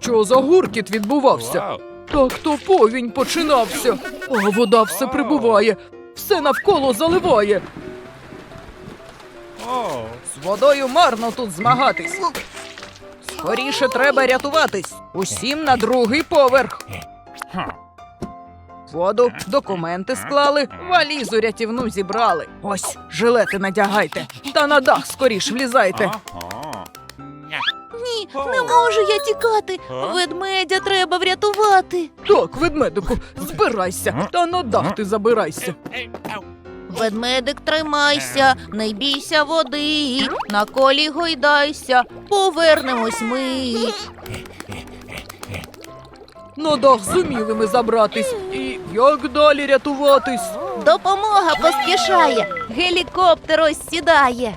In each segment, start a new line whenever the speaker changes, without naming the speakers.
Що за гуркіт відбувався? Так то повінь починався, а вода все прибуває, все навколо заливає. З водою марно тут змагатись. Скоріше треба рятуватись. Усім на другий поверх. Воду, документи склали, валізу рятівну зібрали. Ось, жилети надягайте, та на дах скоріш влізайте.
Ні, не можу я тікати. Ведмедя треба врятувати.
Так, ведмедику, збирайся, та на дах ти забирайся.
Ведмедик, тримайся, не бійся води, на колі гойдайся, повернемось ми.
На дах зуміли ми забратись. І як далі рятуватись?
Допомога поспішає, гелікоптер ось сідає.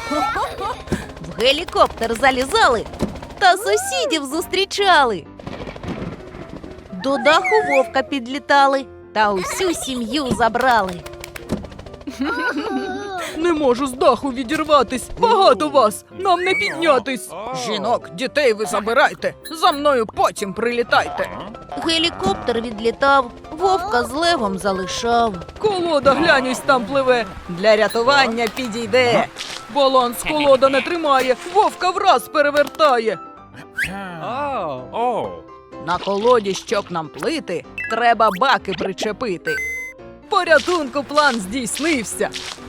В гелікоптер залізали та сусідів зустрічали. До даху вовка підлітали та усю сім'ю забрали.
Не можу з даху відірватись. Багато вас, нам не піднятись. Жінок, дітей ви забирайте, за мною потім прилітайте.
Гелікоптер відлітав, вовка з левом залишав.
Колода, глянь, ось там пливе, для рятування підійде. Баланс колода не тримає, вовка враз перевертає. На колоді, щоб нам плити, треба баки причепити. Порятунку план здійснився.